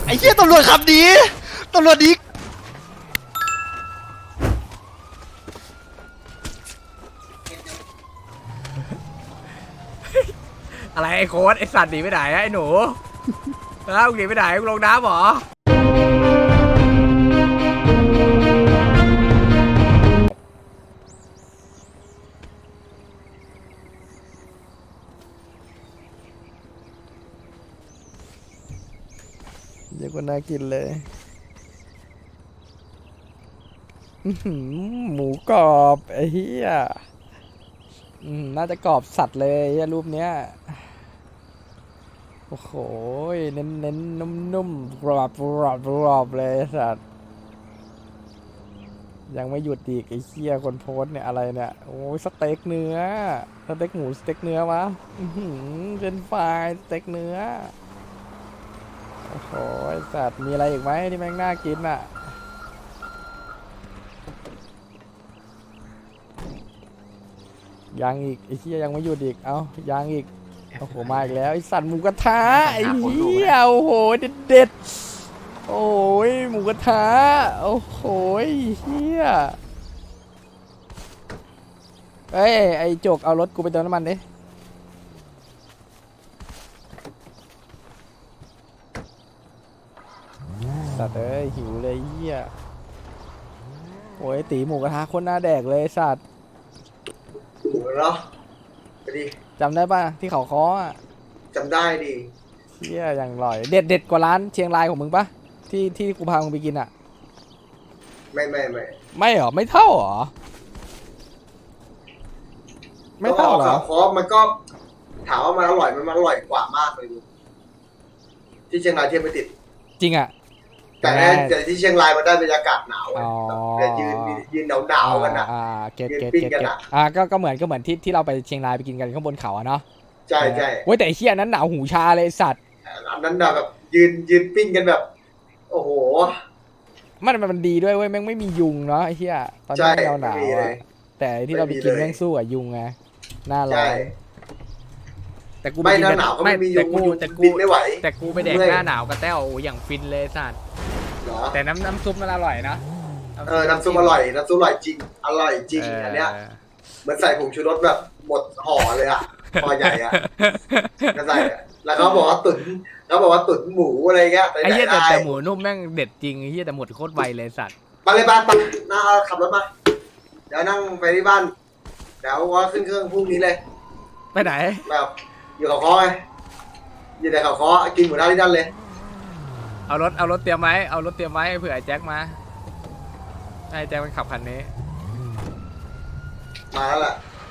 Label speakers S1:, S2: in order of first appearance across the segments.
S1: ไอ้เหี้ยตำรวจขับดีตำรวจดี
S2: อะไรไอ้โค้ดไอ้สัตว์หนีไปไหนไอ้หนูแล้วหนีไปไหนลงน้ำเหรอ
S1: เดี๋ยวก็น่ากินเลยหมูกรอบไอ้เหี้ยน่าจะกรอบสัตว์เลยรูปเนี้ยโอ้โหเน้นนุ่มๆกรอบเลยสัตว์ยังไม่หยุดอีกไอ้เหี้ยคนโพสเนี่ยอะไรเนี่ยโอ้ยสเต็กเนื้อสเต็กหมูสเต็กเนื้อวะเป็นไฟสเต็กเนื้อโอ้โหสัตว์มีอะไรอีกไหมที่แม่งน่ากินอ่ะยังอีกไอ้เหี้ยยังไม่หยุดอีกเอ้ายังอีกโอ้โหมาอีกแล้วไอ้สัตว์หมูกระทะไอ้เหี้ยโอ้โหเด็ดโอ้ยหมูกระทะโอ้โหเหี้ยเอ้ยไอ้จกเอารถกูไปเติมน้ำมันดิสัตว์เอ้ยหิวเลยเหี้ยโอ้ยตีหมูกระทะคนหน้าแดกเลยสัตว์
S3: เหรอไปดิ
S1: จำได้ป่ะที่เขาค้ออ่ะ
S3: จำได้ดิ
S1: เชี่ยอย่างอร่อยเด็ดกว่าร้านเชียงรายของมึงปะที่กูพามึงไปกินอ่ะไม่หรอไม่เท่าหรอไม่เท่าหรอ
S3: เพราะมันก็ถามว่ามันอร่อยมันอร่อยกว่ามากเลยที่เชียงรายเทียบไม่ติด
S1: จริงอ่ะ
S3: แต่ที่เชียงรายมันได้บรรยากาศหนาวแต่ยืนหนาวกันนะ
S1: เก็ตก็เหมือนที่เราไปเชียงรายไปกินกันข้างบนเขาอะเนาะ
S3: ใช่
S1: เว้ยแต่ไอ้เชี่ยนั้นหนาวหูชาเลยสัตว์
S3: อันนั้นแบบยืนปิ้งกันแบบโอ้โห
S1: มันดีด้วยเว้ยแม่งไม่มียุงเนาะไอ้เชี่ยตอนนี้เราหนาวแต่ที่เราไปกินแม่งสู้กับยุงไงหน้าร้อน
S3: แต่กูไม่หน้าหนาวก็ไม่มียุงบินไม่ไหว
S2: แต่กูไปแดกหน้าหนาวกับแต้วอย่างฟินเลยสัตว์แต่น้ำซุปมันอร่อยนะ
S3: น้ำซุปอร่อยจริงอร่อยจริงอันเนี้ยเหมือนใส่ผงชูรสแบบหมดห่อเลยอ่ะห่อใหญ่อ่ะก็ใส่แล้วเขาบอกว่าตุ๋นหมูอะไรเงี้ย
S2: ไอ้เหี้ยแต่หมูนุ่มแม่งเด็ดจริงไอ้เหี้ยแต่หมดโคตรไวเลยสัตว์
S3: มาเลยบ้านน่าขับรถมาเดี๋ยวนั่งไปที่บ้านเดี๋ยวว่าขึ้นเครื่องพรุ่งนี้เลย
S2: ไปไหน
S3: แบบอยู่เขาค้อไงอยู่ในเขาค้อกินหมูทะที่นั่นเลย
S2: เอารถเตรียมไหมเอารถเตรียมไว้เผื่อไอ้แจ็คมาไอ้แจ็คมันขับคันนี้
S3: มาแล้วแหละ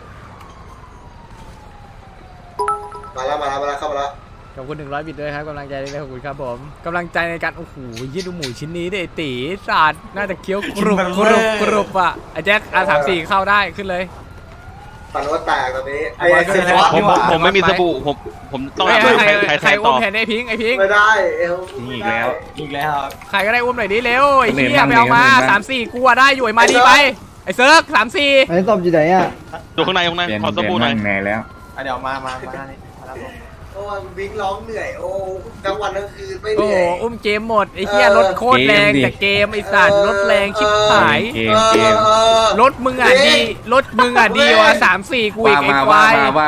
S3: มาแล้วเข้ามาแล้ว
S2: ขอบคุณ100 บิตด้วยครับกำลังใจด้วยขอบคุณครับผมกำลังใจในการโอ้โหยี่ดูหมูชิ้นนี้ดิตีสัตว์น่าจะเคี้ยวกรุบอ่ะไอ้แจ็คR34เข้าได้ขึ้นเลย
S3: ฝันว่าแตกตอนนี้ไอ้
S4: ผมไม่มีสบู่ผมต้อง
S2: ใครอุ้มแทนไอ้พิง
S3: ไม่ได้
S4: อีกแล้ว
S2: ใครก็ได้อุ้มหน่อยดิเร็วไอ้เหี้ยไปเอามา3-4กูได้อยู่ไอ้มาดีไปไอ้เซิร์ก3-4
S1: ไอ้ศพอยู่ไหนอ่ะ
S4: ดูข้างในขอสบู่หน่อย
S5: แน่แล้ว
S4: เดี๋ยวมา
S3: โอ้วิ่งร้องเหนื่อยโอ้ทั้งวันทั้งคืนไม่เห
S2: นื่อยอุ้มเกมหมดไอ้เหี้ยรถโคตรแรงแต่เกมไอ้สัตว์รถแรงชิบหายรถมึงอ่ะดีว่ะ3-4กูอีกไอ้ควาย
S5: ว่า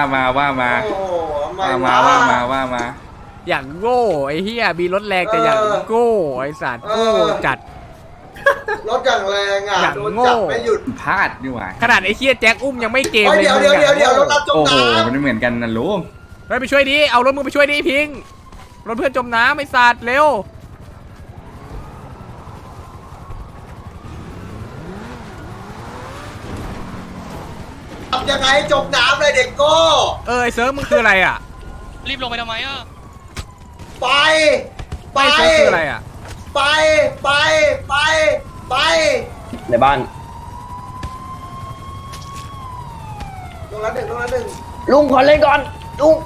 S5: มา
S2: อย่างโง่ไอ้เหี้ยมีรถแรงแต่อย่างโง่ไอ้สัตว์โง่จัด
S3: รถอย่างแรงอ่ะ
S2: โดนจับ
S3: ไม่หยุด
S5: พลาดดีกว่า
S2: ขนาดไอ้เหี้ยแจ็คอุ้มยังไม่เกมเลย
S3: เดี๋ยวรถจมน้ำ
S5: โอ้โหมันเหมือนกันนะลุง
S2: ไปช่วยดิเอารถมึงไปช่วยดิพิงรถเพื่อนจมน้ำไอ้สัตว์เร็ว
S3: ทำยังไงจมน้ำเลยเด็กโก้
S2: ไอ้เซิร์ฟมึงคืออะไรอ่ะ
S4: รีบลงไปทำไมอ่ะ
S3: ไป
S2: คืออะไรอ่ะ
S3: ไป
S5: ในบ้าน
S3: ลงละหนึ่ง
S5: ลุงขอเล่นก่อนลุง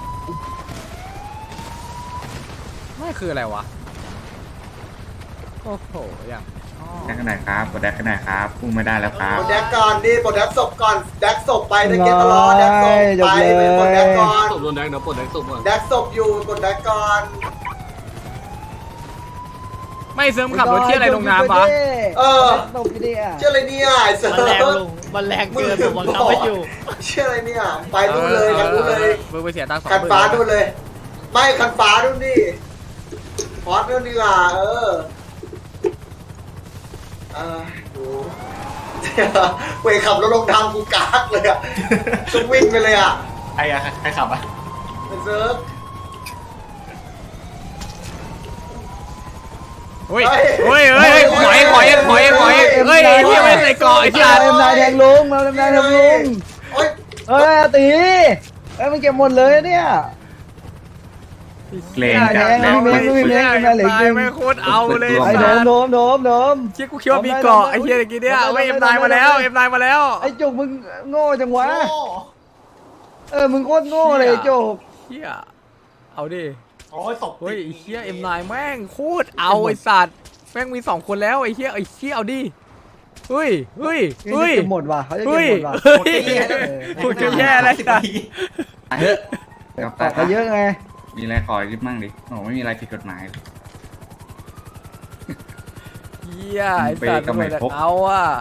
S2: ไม่คืออะไรวะโอ้โหอย่าง
S5: แดกขนาดครับกดแดกขนาดครับพุ่งไม่ได้แล้วครับ
S3: กดแดกก่อนดิกดแดกศพก่อนแดกศพไปตะเกียบตลอดแดกศพไปกดแดกก่อน
S4: ศพโดนแดกเดี๋ยวกดแดกศพก่อน
S3: แดกศพอยู่กดแดกก่อน
S2: ไม่เสริมขับรถที่อะไรลงน้ำวะ
S3: เออ
S6: ตกดิอ่ะ
S3: เชื่ออะไรเนี่ยไอ้เซิร์ฟ
S4: มันแรงเกินผมบังคับไม่อยู่
S3: เชื่ออะไรเนี่ยไปนู่นเลยคันนู้นเลย
S2: มึงไปเสียตังค์2,000
S3: คันฟ้านู่นเลย ไม่คันฟ้านู่นนี่พอดนู่นดีกว่าดูเว้ยขับรถลงทางกูกากเลยอ่ะต้องวิ่งไปเลยอ่ะ
S4: ใครขับอ่ะ
S3: ไอ้เซิร์ฟ
S2: เฮ้ยเฮ้ยเฮ้ยขอยเฮ้ยไอ้เหี้ยไม่ใส่เกาะไอ้สัตว์
S6: เอ็มนายแทงลุงมาเอ็มนายแทงลุง
S3: โอ๊ย
S6: เฮ้ยตีเฮ้ยมันเก็บหมดเลยเนี่ย
S5: เกรงจัด
S6: แดง
S5: แล้ว
S6: ไม่มีเหลือ
S2: ตายไม่โคตรเอาเลย
S6: ไอ้โดม
S2: เชี่ยกูคิดว่ามีเกาะไอ้เหี้ยตะกี้เนี่ยไม่เอ็มนายมาแล้วเอ็มนายมาแล้ว
S6: ไอ้จุกมึงโง่จังวะมึงโคตรโง่เลยจุก
S2: เหี้ยเอาดิ
S4: โอ้ยตก
S2: เฮ้ยไอ้เหี้ยเอ็มนายแม่งโคตรเอาไอ้สัตว์แม่งมี2คนแล้วไอ้เหี้ยเอาดิเฮ้ย
S6: เก็บหมดว่ะเขาจะเก็บ
S2: เฮ้ย
S6: หมดว่ะ
S2: พูดจะแย่อะไรสัตว์
S5: เฮ้ยกลับ
S6: ออกไปเยอะไง
S5: มีอะไรขอริบมั่งดิโอ้ไม่มีอะไรผิดกฎหมาย
S2: เหี้ยไอ้สัตว์
S5: เบรกก็ไม่พก
S2: เอาอ่ะ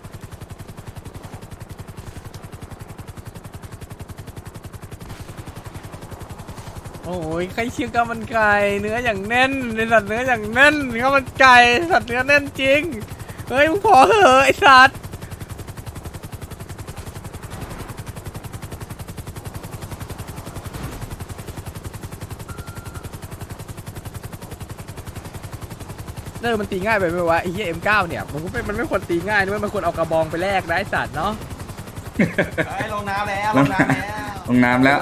S2: โอ้ยใครเชื่อข้าวมันไก่เนื้ออย่างแน่นไอ้สัตว์เนื้ออย่างแน่นข้าวมันไก่สัตว์เนื้อแน่นจริงเฮ้ยมึงพอเหอะไอ้สัตว์มันตีง่ายไปไหมวะไอ้เหี้ย M9 เนี่ยมันไม่ควรตีง่ายด้วยมันควรเอากระบองไปแลกนะไอ้สัตว์เนาะ
S4: ลงน้ำแล้ว
S5: ลงน้ำแล้ว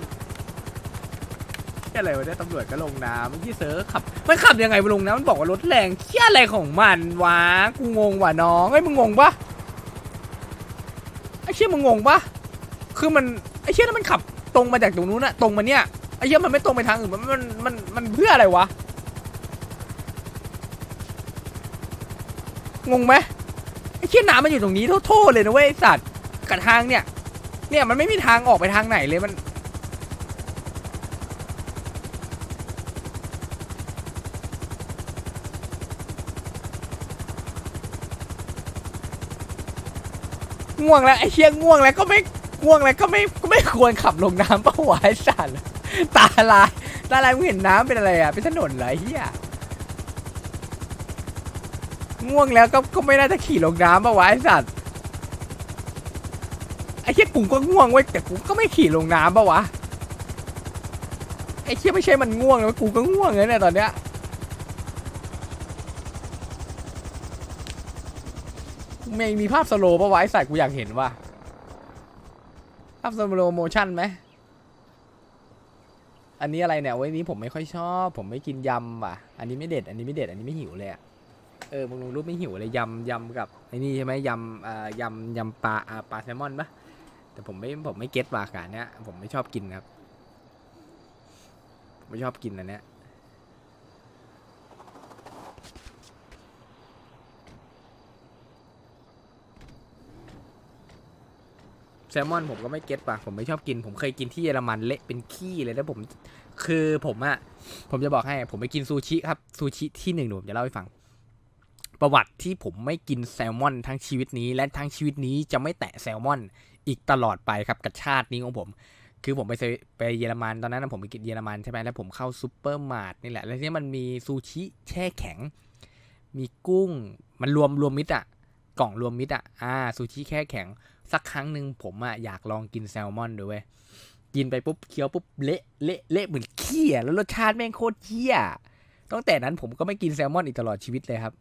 S2: แค่อะไรวะเนี่ยตำรวจก็ลงน้ำที่เซิร์ฟมันขับยังไงไปลงน้ำมันบอกว่ารถแรงเชี่ยอะไรของมันวะกูงงว่ะน้องไอ้ยมึงงงปะไอ้เชี่ยมึงงงปะคือมันไอ้เชี่ยนั้นมันขับตรงมาจากตรงนู้นอะตรงมาเนี่ยไอ้เชี่ยมันไม่ตรงไปทางอื่นมันเพื่ออะไรวะงงไหมไอ้เชี่ยน้ำมันอยู่ตรงนี้โทษเลยนะเว้ยไอ้สัตว์กับทางเนี่ยมันไม่มีทางออกไปทางไหนเลยมันง่วงแล้วไอ้เชี่ยง่วงแล้วก็ไม่ควรขับลงน้ำปะวะไอ้สัตว์ตาลายมึงเห็นน้ำเป็นอะไรอ่ะเป็นถนนเหรอไอ้เหี้ยง่วงแล้วก็ไม่น่าจะขี่ลงน้ำปะวะไอ้สัตว์ไอ้เชี่ยกูก็ง่วงเว้ยแต่กูก็ไม่ขี่ลงน้ำปะวะไอ้เชี่ยไม่ใช่มันง่วงนะกูก็ง่วงเลยเนี่ยตอนเนี้ยมีภาพสโลว์ปะวะไอ้สัตว์กูอยากเห็นว่ะภาพสโลว์โมชั่นไหมอันนี้อะไรเนี่ยวันนี้ผมไม่ค่อยชอบผมไม่กินยำว่ะอันนี้ไม่เด็ดอันนี้ไม่หิวเลยอะมึงลงรูปไม่หิวเลยยำกับไอ้นี่ใช่ไหมยำปลาแซลมอนปะแต่ผมไม่เก็ตว่ะการเนี้ยผมไม่ชอบกินครับผมไม่ชอบกินอันเนี้ยแซลมอนผมก็ไม่เก็ตป่ะผมไม่ชอบกินผมเคยกินที่เยอรมันเละเป็นขี้เลยแล้วผมจะบอกให้ผมไปกินซูชิครับซูชิที่หนึ่งผมจะเล่าให้ฟังประวัติที่ผมไม่กินแซลมอนทั้งชีวิตนี้และทั้งชีวิตนี้จะไม่แตะแซลมอนอีกตลอดไปครับกับชาตินี้ของผมคือผมไปเยอรมันตอนนั้นผมไปกินเยอรมันใช่ไหมแล้วผมเข้าซูเปอร์มาร์ทนี่แหละแล้วที่มันมีซูชิแช่แข็งมีกุ้งมันรวมมิตรอ่ะกล่องรวมมิตรอ่ะซูชิแช่แข็งสักครั้งหนึ่งผมอยากลองกินแซลมอนดูเว้ยกินไปปุ๊บเคี้ยวปุ๊บเละเหมือนขี้แล้วรสชาติแม่งโคตรเหี้ยตั้งแต่นั้นผมก็ไม่กินแซลมอนอีกตลอดชีวิตเลยครับ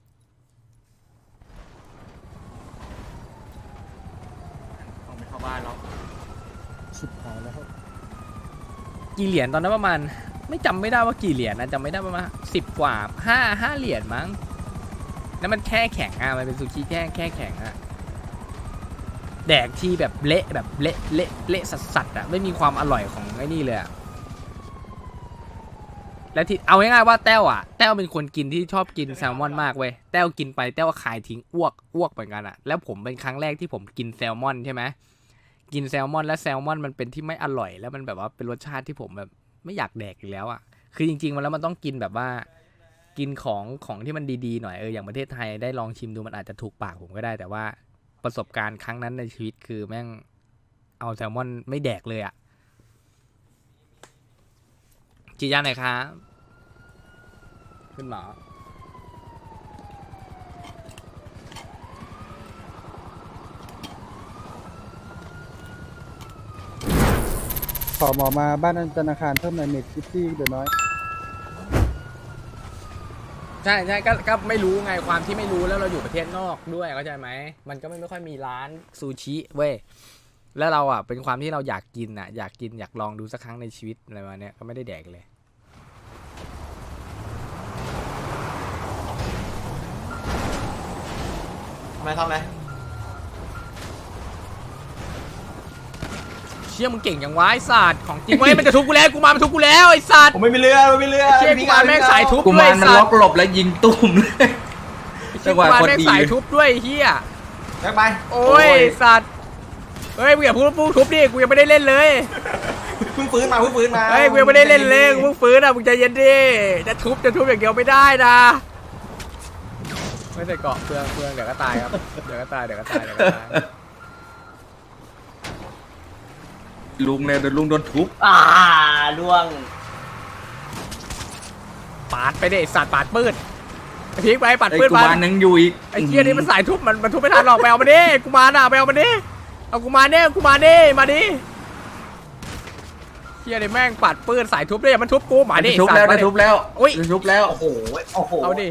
S2: ต้องไปเข้าบ้านแล้วสุดท้ายแล้วกี่เหรียญตอนนั้นประมาณไม่จำไม่ได้ว่ากี่เหรียญนะจำไม่ได้ประมาณ10 กว่า5เหรียญมั้งแล้วมันแค่แข็งมันเป็นซูชิแค่แข็งแดกที่แบบเละสัสๆไม่มีความอร่อยของไอ้นี่เลยและที่เอาง่ายๆว่าแต้วเป็นคนกินที่ชอบกินแซลมอนมากเว้ยแต้วกินไปแต้วคายทิ้งอ้วกเหมือนกันแล้วผมเป็นครั้งแรกที่ผมกินแซลมอนใช่ไหมกินแซลมอนแล้วแซลมอนมันเป็นที่ไม่อร่อยแล้วมันแบบว่าเป็นรสชาติที่ผมแบบไม่อยากแดกอีกแล้วคือจริงๆแล้วมันต้องกินแบบว่ากินของที่มันดีๆหน่อยอย่างประเทศไทยได้ลองชิมดูมันอาจจะถูกปากผมก็ได้ แต่ว่าประสบการณ์ครั้งนั้นในชีวิตคือแม่งเอาแซลมอนไม่แดกเลยอะจีย่าหน่อยครับขึ้นหมอ
S6: ขอหมอมาบ้านธนาคารเพิ่มในเน็ตซิตี้เดี๋ยวน้อย
S2: ใช่ก็ไม่รู้ไงความที่ไม่รู้แล้วเราอยู่ประเทศนอกด้วยเข้าใจไหมมันก็ไม่ค่อยมีร้านซูชิเว้ยแล้วเราอ่ะเป็นความที่เราอยากกินอ่ะอยากลองดูสักครั้งในชีวิตอะไรมาเนี้ยก็ไม่ได้แดกเลย
S4: ทำไม
S2: เชี่ยมึงเก่งอย่างวะไอ้สัตว์ของจริงเว้ยมันจะทุบกูแล้วกูมามันทุบกูแล้วไอ้สัตว์
S4: ผมไม่มีเรือไม่มีเรือ
S2: เชี่ยกูมาแม่งสายทุบ
S5: กุ
S2: ด้วย
S5: มาร
S2: ไอ้
S5: มัน
S2: สั
S5: ล็
S2: ต
S5: อก
S2: ว์
S5: หลบแล้วยิงตุ้มเลย
S2: เชี่ยกูมาแม่งสายทุบด้วยไอ้เฮีย
S4: แบกไป
S2: โอ้ยสัตว์เฮ้ยมึงอย่าพูดทุบดิกูยังไม่ได้เล่นเลย
S4: เพิ่งฟื้นมา
S2: เฮ้ยกูยังไม่ได้เล่นเลยกูเพิ่งฟื้นอ่ะมึงใจเย็นดิจะทุบอย่างเดียวไม่ได้นะไม่ใส่เกาะเปลืองเดี๋ยวก็ตายครับเดี๋ยวก็ตาย
S5: ลุงเลยโดนลุงโดนทุบ
S4: ล่วง
S2: ปาดไปดิสัตว์ปาดปืดไอ้พีกไปปาด
S5: ไอ้
S2: ปืด
S5: กุ
S2: มาม
S5: ารยังอยู่อีก
S2: ไอ้เหี้ยนี่มันสายทุบมันทุบไม่ทันหรอกไปเอามาดิกูมาน่ะไปเอามาดิเอากูมาเนี่ยกูมาดิมาดิเหี้ยนี่แม่งปาดปืดสายทุบด้วยมันทุบกูมาดิ
S5: ทุบแล้วได้ทุบแล้ว
S2: อุ้ย
S5: ได้ทุบแล้ว
S4: โอ้โห
S2: เอาดิ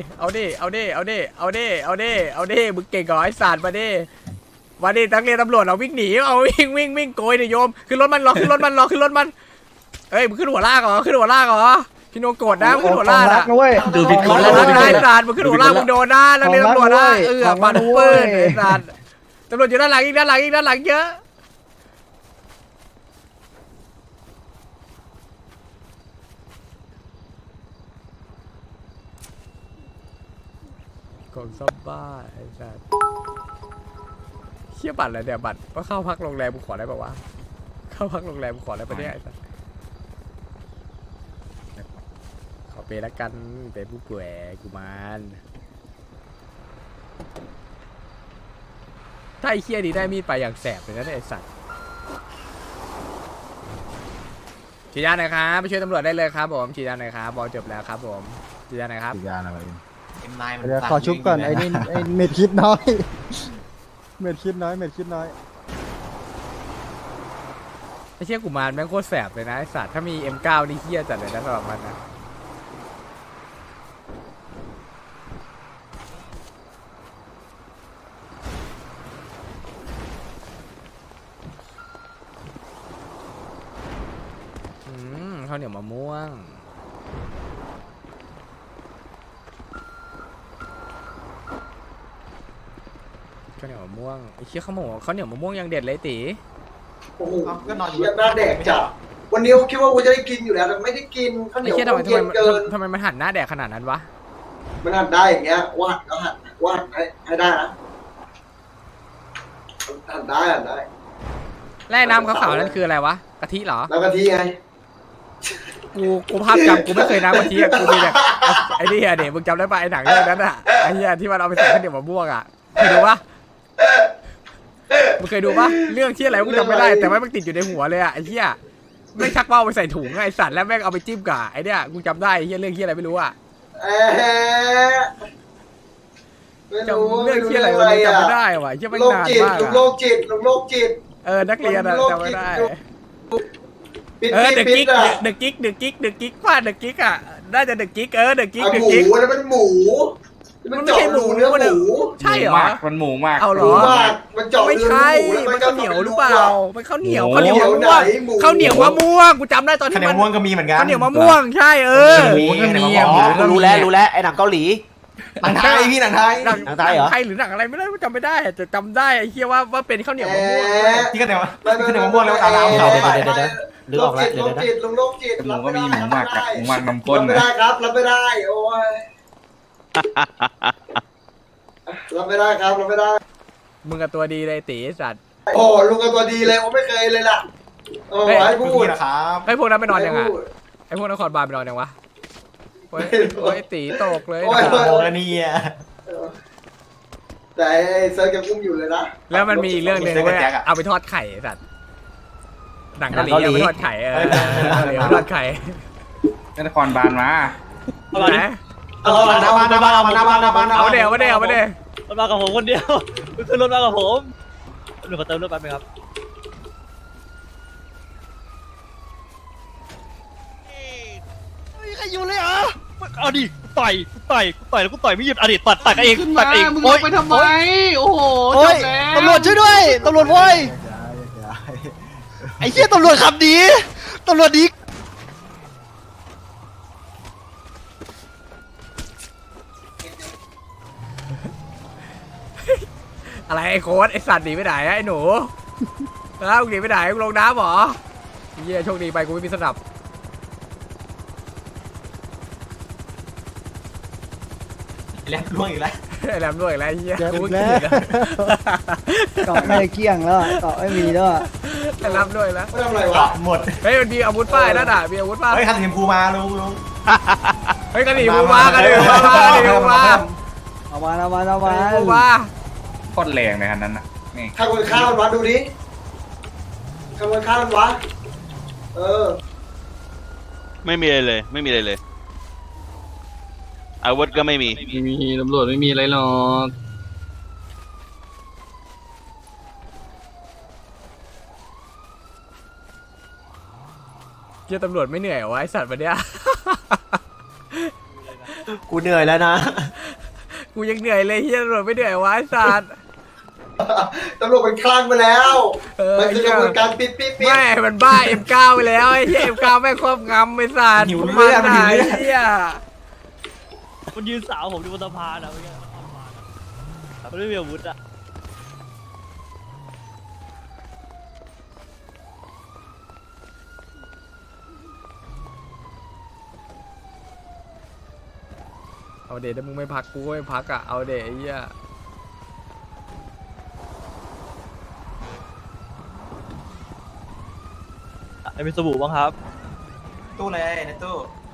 S2: มึงเก่งก่อนไอ้สัตว์มาดินักเรียนตำรวจเราวิ่งหนีเอาวิ่งโกยดิโยมขึ้นรถมันขึ้นรถมันเอ้ยมึงขึ้นหัวลากเหรอพี่โนโกรธนะมึงขึ้นหัวลากนะ
S6: นะเว้ย
S5: ดูผิดคน
S2: แล้
S5: แล้ว ว
S2: ไอ้สัตว์มึงขึ้นหัวลากมึงโดนนะนักเรียนตำรวจนะปาดปืนไอ้สัตว์ตำรวจอยู่ด้านหลังเยอะของซ่อมบ้าไอ้สัตว์เชี่ยบัตรอะไรเนี่ยบัตรว่าเข้าพักโรงแรมกูขอได้ปะวะเข้าพักโรงแรมกูขอได้ปะเนี่ยไอ้สัตว์ขอเปละกันเป็นผู้ป่วยกูมานถ้าไอ้เชี่ยนี้ได้มีดไปอย่างแสบเลยนะเนี่ยไอ้สัตว์ฉีดยาหน่อยครับไปช่วยตำรวจได้เลยครับผมฉีดยาหน่อยครับบอลจบแล้วครับผมฉีดยาหน่อยครับ
S4: เป็นนายมัน
S6: เดี๋ยวขอชุบก่อนไอ้นี่ไอ้เม็ดคิดน้อย เม็ดคิดน้อย
S2: ไอ้เชี่ยกูมารแม่งโคตรแสบเลยนะไอ้สัตว์ถ้ามี M9 นี่เฮี้ยจัดเลยนะสำหรับมันนะข้าวเหนียวมะม่วงข้าวเหนียวมะม่วงไอ้เชี่ยข้าวเหนียวมะม่วงยังเด็ดเลยตี
S3: โอ้โห
S4: ก็นอนอยู่
S3: เชี่ยหน้าแดกจัดวันนี้ผมคิดว่ากูจะได้กินอยู่แล้วแต่ไม่ได้กินข้าวเหนี
S2: ไอ้
S3: ยว
S2: เชี่ย
S3: มันเย็นเกิน
S2: ทำไมมันหันหน้าแดกขนาดนั้นวะ
S3: มันหันได้อย่างเงี้ยวาดก็วาดให้ได้นะหันได้
S2: แร่น้ำขาวๆนั่นคืออะไรวะกะทิเหรอ
S3: แล้วกะทิไง
S2: กูภาพจำกูไม่เคยน้ำกะทิอะกูมีแต่ไอ้นี่อะเด็กมึงจำได้ปะไอ้หนังเรื่องนั้นอะไอ้เหี้ยที่มันเอาไปใส่ข้าวเหนียวมะม่วงอะเคยดูปะมึงเคยดูปะเรื่องที่อะไรกูจำไม่ได้แต่ว่ามันติดอยู่ในหัวเลยอะไอ้เหี้ยไม่ชักเป้าไปใส่ถุงไอ้สัตว์แล้วแม่งเอาไปจิ้มกับไอ้เนี่ยกูจำได้ไอ้เหี้ยเรื่องที่อะไรไม่รู้อะ
S3: ไม่
S2: จำ
S3: รู้
S2: เรื่องที่อะไรมันจำไม่ได้ว่ะไอ้เหี้ยไม่
S3: โรคน
S2: าน
S3: จิต
S2: มาก
S3: ลุงโร
S2: อะ
S3: คจิตลุงโรคจิต
S2: นักเรียนอะจำไม่ได้
S3: ปิด
S2: เดอะ
S3: ปิ
S2: กิ๊
S3: ด
S2: ก
S3: อ่ะ
S2: เดอะกิ๊กว่าเดอะกิ๊กอะน่าจะเดอะกิ๊กเดอะกิ๊ก
S3: หมูแล้วมันหมู
S2: มันไม่ใช่หมู
S3: เนื้อหมู
S2: ใช่เหรอ
S5: มันหมูมาก
S2: เอาเหร
S3: หมู
S2: อ
S3: มากมันเจาะ
S2: ไม่
S3: เนื้อ
S2: ใช่
S3: หมูแล้ว
S2: มัน
S3: ก็
S2: ข้าวเหนียวหรือเปล่ามันข้าวเหนียว
S5: โอ้
S2: ข้าวเหนียวมะม่วง
S3: หมู
S2: ข้าวเหนียวมะม่วงกูจำได้ตอน
S4: ข้าว
S2: ที่
S4: เหนีย
S2: มั
S4: วน ม่วงก็มีเหมือนกัน
S2: ข้าวเหนียวมะม่วงใช่
S5: หมูก็มีอะหมูก็
S7: รู้
S5: มี
S7: แล้วไอ้หนังเกาหลี
S4: หนังไทยพี่หนังไทย
S2: หนัง
S7: หนังไทยเหรอ
S2: ไทยหรือหนังอะไรไม่ได้จำไม่ได้แต่จำได้ไอ้เฮียว่าเป็นข้าวเหนียวมะม่วง
S4: ที่ข้าวเหนียวมะม่วงแล้วตาลามเขาไป
S7: เดี๋ยวนึกออกแล้ว
S3: โรคจิตลุงโรคจิต
S5: หมูก็มีหมูหมักอะหมูหมักนมข้น
S3: รับไม่
S5: นะ
S3: ได้ครับรับไม่ได้โอ้ยรับไม่ได้ครับรับไม่ได้
S2: มึงกับตัวดีเลยตีสัตว์
S3: โอ้ลุงกับตัวดีเลยผมไม่เคยเลยล่ะโอ้ให้พูด
S4: นะครับ
S2: ไอ้พวกนั้นไปนอนยังไง
S3: ให้พูด
S2: ไอ้พวกนครบาลไปนอนยังวะโอ้ยตีตกเลย
S3: โอ้ย
S4: โอ้แล้วนี่อ่ะ
S3: แต่ไอ้เซิร์ฟยังอุ้มอยู่เลยนะ
S2: แล้วมันมีอีกเรื่องหนึ่งเว้ยเอาไปทอดไข่ไอ้สัตว์หนังเกาหลีเอาไปทอดไข่เอาไปทอดไข่
S5: นครบาลมา
S2: ไหน
S4: เอาหน้าบ้านหน้าบ้านเอาหน้าบ้านหน้าบ้าน
S2: เอาเดี๋ยวเอามาเดี๋ยว
S8: รถมากับผมคนเดียวขึ้นรถมากับผมหนูขอเติมรถแป๊บนึงครับไม่มีใครอยู่เลยเหรอเอาดิต่อยแล้วกูต่อยไม่หยุดอดีตตัดกันเองตัดเองมึงลงไปทำไมโอ้โหจบแล้วตำรวจช่วยด้วยตำรวจพ่อยไอ้เหี้ยตำรวจขับดีตำรวจดี
S2: อะไรไอ้โค้ดไอ้สัตว์หนีไปไหนไอ้หนูแล้วหนีไปไหนมึงลงน้ำเหรอเยี่ยโชคดีไปกูไม่มีสนับ
S4: แล้วล่วงอีกแล้ว
S2: ไอ้แรมด้วยอีกแล้วไอ้เยี่ย
S6: เจ็บ
S2: กู
S6: อีก
S2: ไม่
S6: แล้ว
S2: กินแล้ว
S6: เกาะไม่ได้เกลี้ยงแล้วเกาะไม่มีแล้ว
S2: ไอ้แรมด้วยแล้ว
S3: ไม่ทำอะไรวะ
S4: เกาะหมด
S2: เฮ้ยมันมีอาวุธป้ายนั่นอ่ะมีอาวุธป้า
S4: เฮ้ยคันสีชมพูมาลุง
S2: เฮ้ยกันหนีกูมากันหนีกูมากันหนีกูมา
S6: เอามา
S2: กูมา
S5: โคตรแรงเลยคันนั้นน่ะนี่
S3: ข้างบนข้าวมันวะดูดิข้างบนข้าวมันวะเออ
S9: ไม่มีอะไรเลย ไม่มีอะไรเลย อาวุธก็ไม่มี
S8: ไม่มีตำรวจไม่มีอะไรหรอก
S2: เยี่ยตำรวจไม่เหนื่อยเหรอวะไอ้สัตว์วันเนี้ย
S7: กูเหนื่อยแล้วนะ
S2: กูยังเหนื่อยเลยเฮียตำรวจไม่เหนื่อยวะไอ้สัตว์
S3: ตำรวจมันคลั่งไปแล้ว มันคือก
S2: เหี้
S3: ระ
S2: ย
S3: บวนการปิด
S2: ไม่มันบ้า M9 ไปแล้วไอ้เหี้ย M9 แม่งครอบงำไอ้สัตว์มันไหนเหี้ย
S8: มันยืนสาวผมอยู่บนสะพานอะเมื่อกี้มันไม่มีอาวุธอะ
S2: เอาเดถ้ามึงไม่พักกูก็ไม่พักอ่ะเอาเดไอ้เหี้ย
S8: ไอ้เป็นสบู่บ้างครับ
S4: ตู้เลยในตู้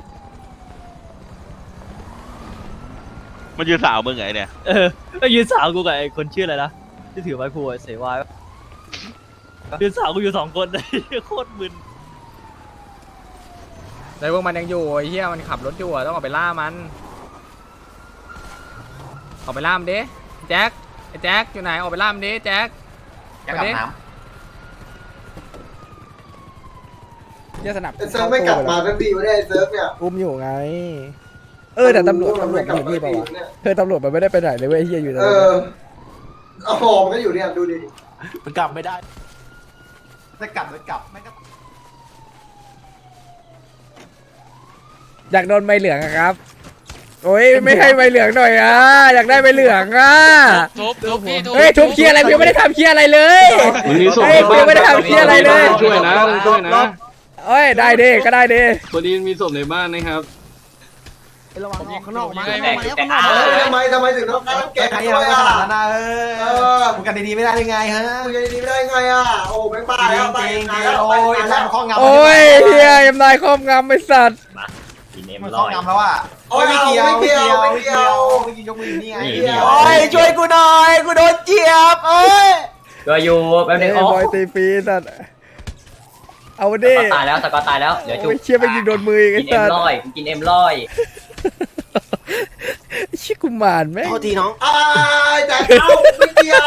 S9: มันยืนสาวมึงไงเนี่ย
S8: ก็ยืนสาวกูกับไอ้คนชื่ออะไรนะที่ถือไม้พลูไอ้เสวายยืนสาวกูอยู่2 คนเลยโคตรมึน
S2: แต่พวกมันยังอยู่ไอ้เหี้ยมันขับรถอยู่อะต้องออกไปล่ามันออกไปล่ามนดิแจ็คไอ้แจ็คอยู่ไหนออกไปล่ามนดิแจ็ค
S4: จะกลับน้
S1: เยี่ยสนับ
S3: ๆไอ้เซิร์ฟไม่กลับมาทันทีวะเนี่ยไอ้เซิร์ฟเนี่ย
S1: อุ้มอยู่ไง แต่ตำรวจมันอยู่นี่เปล่าวะตำรวจมันไม่ได้ไปไหนเลยเว้ยเฮียอยู่ตรง
S3: เอ
S1: นี้
S3: อหอมนก็อยู่เนี่ยดูดิ
S7: ำมันกลับไม่ได้
S4: จะกลับไม่ก็
S1: อยากโดนใบเหลืองอะครับ โอ้ยไม่ให้ใบเหลืองหน่อยอ่ะอยากได้ใบเหลืองอ่ะเฮ้ยทุบเคลียร์อะไรพี่ไม่ได้ทำเคลียร์อะไรเลยเฮ้ยพี่ไม่ได้ทำเคลียร์อะไรเลย
S8: ช่วยนะช่วยนะ
S1: เอ้ยได้ดิก็ได้ดิ
S8: พอดีมีศพในบ้านนะครับ
S6: ระวังออกข้างนอกมา
S3: ทำไมถึงต้องการแกะ
S4: ใคร
S3: ด้
S4: เรา
S3: วย
S4: ไม่
S3: อ่ะ
S4: ขนาดนั้นนะมึงกันดีๆไม่ได้ยังไงฮะ
S3: มึงจะดีไม่ได้ไงอ่ะโอ้แม่งบ้า
S4: จริ
S3: แล้ว
S4: ง
S3: ไป
S4: จริง
S3: ไงแล้ว
S4: โอ้
S3: ไป
S4: ย
S3: ไง
S4: แล้
S3: แล้ว ว
S4: ข้องงำ
S1: โอ้ยเฮียยำนายครอบงำไอ้สัตว์
S4: มันข้องงำแล้วอ่ะไม่เกี่ยวไม่กินยกมือนี่ไง
S7: โอ้ยช่วยกูหน่อย กูโดนเจี๊ยบโอ้ยก็อยู่แป๊บนึง
S1: ไอ้บอยตีฟรีสัตว์เอาดิ
S7: ตายแล้วสกอตตายแล้วเดี๋ยวจุ
S1: โอ้ยเชี่ยไปยิงโดนมืออีกไอ้
S7: กินเอ็
S1: สั
S7: ม
S1: ตว์
S7: ร้อยกินเอ็มร้อย
S1: ไอ้เชี่ยกุมารแม่ง
S7: โทษทีน้อง
S3: อ้ายแต่เอาไม่เกี่ยว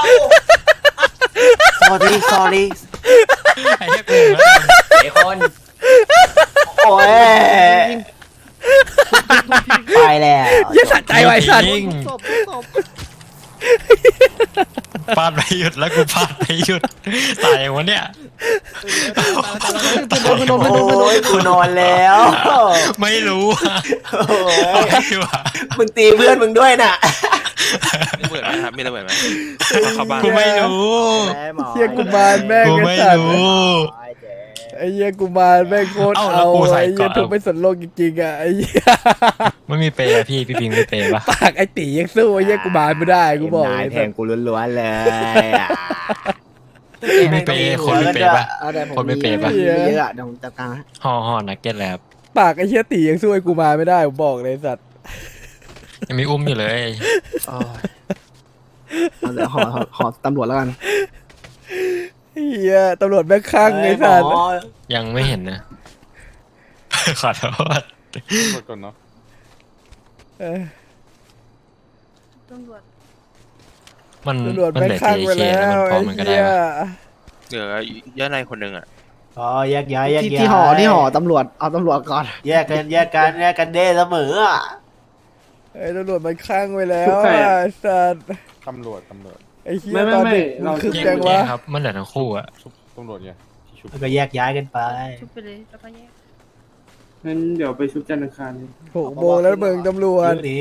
S7: sorry sorry
S8: ไอ้เหี้ยกู
S7: ไอ้คนโอ้ยไปแล้ว
S1: เหี้ยสะใจไว้สัตว์
S8: พลาดไม่หยุดแล้วกูพลาดไม่หยุดตายอย่างวะเนี่ย
S7: โอ้ยกูนอนแล้ว
S8: ไม่รู้อะ
S7: โอ้ย
S8: ไม่ว่า
S7: มึงตีเพื่อนมึงด้วยน่ะ
S9: มีระเบิดไหมครับ มีระเบิดไหมเข้าบ้าน
S8: กูไม่รู้
S1: เชี่ยกุมารแม่ง
S8: กู
S1: ไอ้
S8: ไม่
S1: สัตว์
S8: รู้
S1: ไอ้เหี้ยกุมารแม่งโคตร
S8: เอ้าแล้
S1: เอา
S8: วกูใส่
S1: ไอ้เหี้ย
S8: ก่อน
S1: ทุกไม่สนโลกจริงๆอ่ะไอ้เหี้ย
S8: ไม่มีเปย์อะพี่พิงไม่เปย์ปะ
S1: ปากไอ้ตียังสู้ไอ้เหี้ยกุมารไม่ได้กูบอก
S7: นาย
S1: เลย
S7: แทงกูล้วนๆเลยอะ
S8: ไม่เปย์คนไม่เปย์ปะ
S6: เอาแต่ผม
S8: คนไม่เปย์ปะ
S6: มีเยอะอะเดี๋ยวผมจัดการให้
S8: ห่อนักเก็ตแล้ว
S1: ปากไอ้เชี่ยตียังสู้ไอ้กูมาไม่ได้ผมบอกเลยสัตว์
S9: ยังมีอุ้มอยู่เลย
S6: เดี๋ยวขอตำรวจแล้วกัน
S1: เฮียตำรวจแม่งข้างไอ้สัตว์
S9: ยังไม่เห็นนะ ขอโทษ
S5: กดก่อนเนาะ
S1: เออ
S9: มัน
S1: ตำรวจ
S9: มัน
S1: แม่ง
S9: เหลือ
S1: ข้างไป
S9: JK
S1: แล้
S9: แล้วมัน
S1: ว
S9: พอ
S1: ไอ้
S9: มันก็ได้
S1: เหี้ย
S9: ปะ
S10: เหลือย่าในคนหนึ่งอ่ะ
S4: อ๋อแยกย้ายแยกย้าย
S6: ที่ห่อตำรวจเอาตำรวจก่อน
S4: แยกกันเด้เสมออ่ะ
S1: ไอ้ตำรวจมันข้างไปแล้วอ่ะไอ้สัตว์
S5: ตำรวจ
S1: ไอ้เหี้ยตอนเด็กมึงคึกจังวะ
S9: ครับ มันเหลือทั้งคู่อะ
S5: ตำรวจไงที่ชุบ
S4: แล้วก็แยกย้ายกันไป
S11: ชุบไปเลยแล้วก็แยก
S5: งั้นเดี๋ยวไปชุบจันทร์อังคาร
S1: 6 โมงแล้วเมืองตำรวจ
S4: เรื่องนี้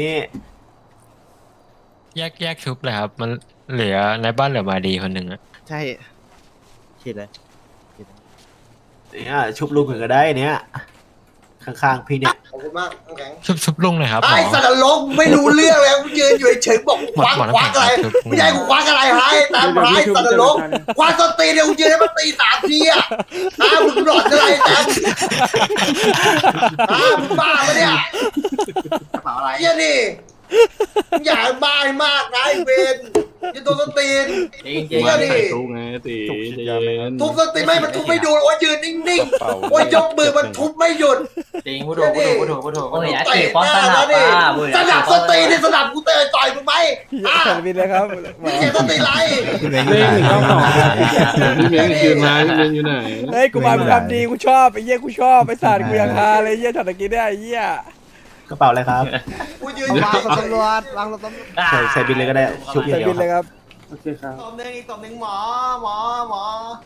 S9: แยกชุบเลยครับ มันเหลือในบ้านเหลือมาดีคนหนึ่งอะ
S6: ใช่คิดเลย
S4: เนี่ยชุบลุงก็ได้เนี่ยข้างๆพี่เนี่ย
S3: ขอบคุณมากน้ำแข็ง
S9: ชุบลุงเลยครับหม
S3: ไอ้
S9: อ
S3: สัตว์นรกไม่รู้เรื่องเลยกูยืนอยู่เฉยๆบอกควัก
S9: หมด
S3: ควักอะไร
S9: หมด
S3: ไม่ใช่กูควักอะไรให้ตามร้ายสัตว์นรกควักต้นตีนเนี่ยกูยืนให้มันตี3 ทีอ่ะมึงหลอดอะไรแต่มึงบ้าปะเนี่ยเหี้ยนี่อย่าบ้าให้มากนะไอ้เวนยืนตัวต้นตีนเหี้ยนี่
S5: ชุบไงตี
S3: ทุบต้นตีนไม่มันทุบไม่ดูโอ้ยยืนนิ่งๆโอ้ยยกมือมันทุบไม่หยุด
S7: จริงพูดถูกโอ้ย
S3: เตะหน้าแล้วดิสนับสตีนี่สนับกูเตะต่อยมึงไหม
S1: แผ่นบินเลยครับหมอ
S3: เจ็บสตีไร
S5: พี่เม้งยืนมาพี่เม้งอยู่ไหน
S1: เฮ้ยกูมาเป็นความดีกูชอบไอ้เหี้ยกูชอบไอ้สัตว์กูอยากฮาเลยไอ้เหี้ยช็อตตะกี้เนี่ยไอ้เหี้ย
S4: กระเป๋าอะไรครับ
S3: กูยืน
S6: วางตำรวจวางตำรวจ
S4: ใส่บินเลยก็ได้ชุบ
S1: ใส่
S4: เดียว
S1: บินเลยครับ
S5: โอเคครับ
S3: ตบหนึ่งอีกตบหนึ่งหมอ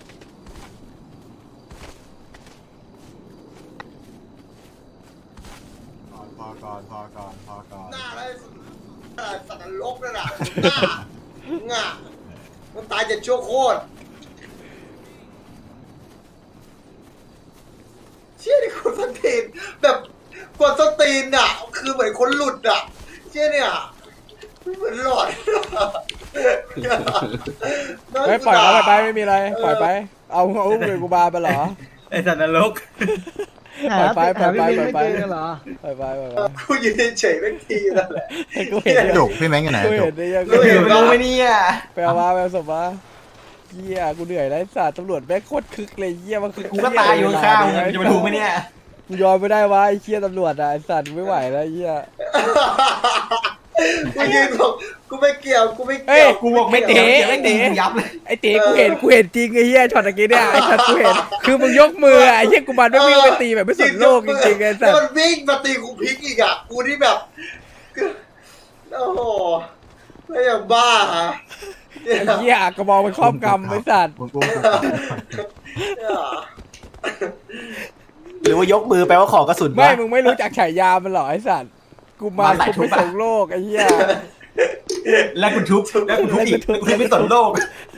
S4: พอก่อน
S3: หน้าอะไรสัตว์นรกนั่นน่ะหน้ามันตายจะชั่วโคตรเชี่ยนี่คนสตีนแบบคนสตีนอ่ะคือเหมือนคนหลุดอ่ะเชี่ยเนี่ยเหมือนหลอด
S1: เฮ้ยปล่อยเขาไปไม่มีอะไรปล่อยไปเอาอุ้มเลยกูบาไปเหรอ
S7: ไอ้สัตว์นรก
S1: ปล่อยไป
S6: หาพี่เม้งไม่เจอกันเหรอ
S1: ปล่อยไป
S3: กูยืนเฉยๆไม่ทีนั่นแหละ
S1: กูเห็น
S4: ดุพี่แม็งอยู่ไหน
S1: กูเห็นได้ยัง
S3: กูเห็น
S4: รู้ไหมเนี่ย
S1: ไปเอามาไปเอาศพมาเหี้ยกูเหนื่อยแล้วไอ้สัตว์ตำรวจแม่งโคตรคึกเลยเหี้ยมันคึก
S4: กูก็ตายอยู่ข้างมึงจะมาดูไหมเนี่ย
S1: กูยอมไม่ได้วะไอ้เหี้ยตำรวจอ่ะไอ้สัตว์ไม่ไหวแล้วไอ้เหี้ย
S3: กูยืนบอกกูไม่เกี่ยวกูไม่
S1: เฮ้
S3: เกี่
S1: ย
S3: ยว
S1: กูบอกไม่เตะไอ้เต๋
S4: ยับเลย
S1: ไอ้เต๋กูเห็นจริงไอ้เหี้ยช็อตตะกี้เนี่ยไอ้สัตว์กูเห็นคือมึงยกมืออะไอ้เหี้ยกูมันไม่วิ่งไปตีแบบไม่สนโลกจริงๆไอ้สั
S3: แล้ว
S1: ต
S3: มัน
S1: ว์
S3: วิ่งมาตีกูพลิกอีกอ่ะกูนี่แบบโอ้โหไม่อย่างบ้าฮะ
S1: ไอ้เหี้ยกระบอกมันครอบกำไอ้สัตว์
S4: หรือว่ายกมือแปลว่าขอกระสุน
S1: ไม่
S4: วะ
S1: มึงไม่รู้จักฉายามันเหรอไอ้สัตว์กูมาคุมไม่ส่งโลกไอ้เหี้ย
S4: แล้วคุณทุบอีกคุณไม่สนโลก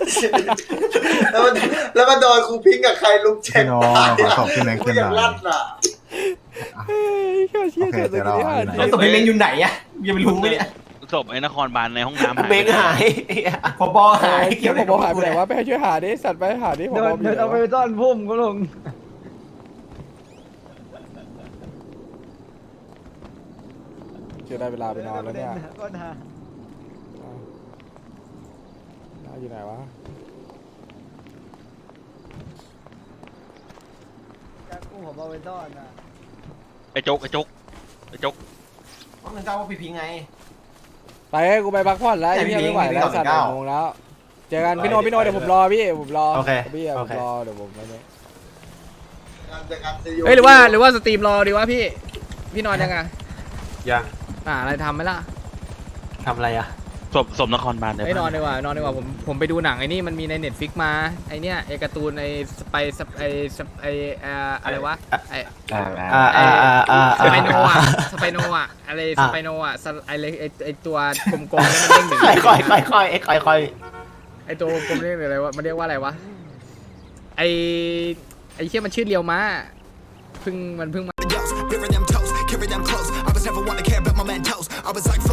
S3: แล้วมันโดนครูพิงกับใครลุกแจ็คตาย
S4: ขอสอบพี่แม็กซ์ขึ้นหน่อย
S3: กูลั่นอ่ะ
S1: เฮ้ยเชี่ยช็อตตะกี้เนี่ย
S4: แล้วศพพี่เม้งอยู่ไหนอะยังไม่รู้ไหมเนี่ย
S10: ศพไอ้นครบาลในห้องน้ำหาย
S4: เม้งหายพบหาย
S1: เกี่ยวกับหายไปไหนวะไปให้ช่วยหาดิสัตว์ไปหาดิผม
S6: เดิน
S1: บอกอยู่
S6: เอาไปซ่อนพุ่มก็ลง
S1: เจอได้เวลาไปนอนแล้วเนี่ย
S6: ก็นะ
S1: อยู่ไหนวะ
S6: จะกู้ผมเอาไปซ่อนนะ
S10: ไอ้โจ๊ก
S4: เพราะมันเจ้าว่าพี่พิงไง
S1: ไปให้กูไปพักผ่อนแล้ว
S4: แต่
S1: ไอ้
S4: พี่
S1: เหี้ยไม่ไหวแล้ว
S4: พี่
S1: สัตว์
S4: เก้า
S1: 1 โมงแล้วเจอกันพี่โนเดี๋ยวผมรอพี่ผมรอ
S4: โอเค
S1: พี่อะ
S4: โอ
S1: ผม
S4: เค
S1: รอเดี๋ยวผมไปเนี่ย
S2: เฮ้ยหรือว่าสตรีมรอดีวะพี่นอนยังไง
S4: ยัง
S2: อะไรทำไหมล่ะ
S4: ทำอะไรอะ
S10: ศพนครบาล
S2: นอนดีกว่านอนดีกว่าผมไปดูหนังไอ้นี่มันมีใน Netflix มาไอเนี้ยไอการ์ตูนไอสไปอะไรวะไอสไปโนอ่ะอะไรสไปโนอ่ะไอตัวกลมๆแล้วมันเด้งหนึ่ง
S4: ค่อย
S2: ไอตัวกลมเรียกอะไรวะมันเรียกว่าอะไรวะไอเชี่ยมันชื่อเรียวม้ามันเพิ่งมา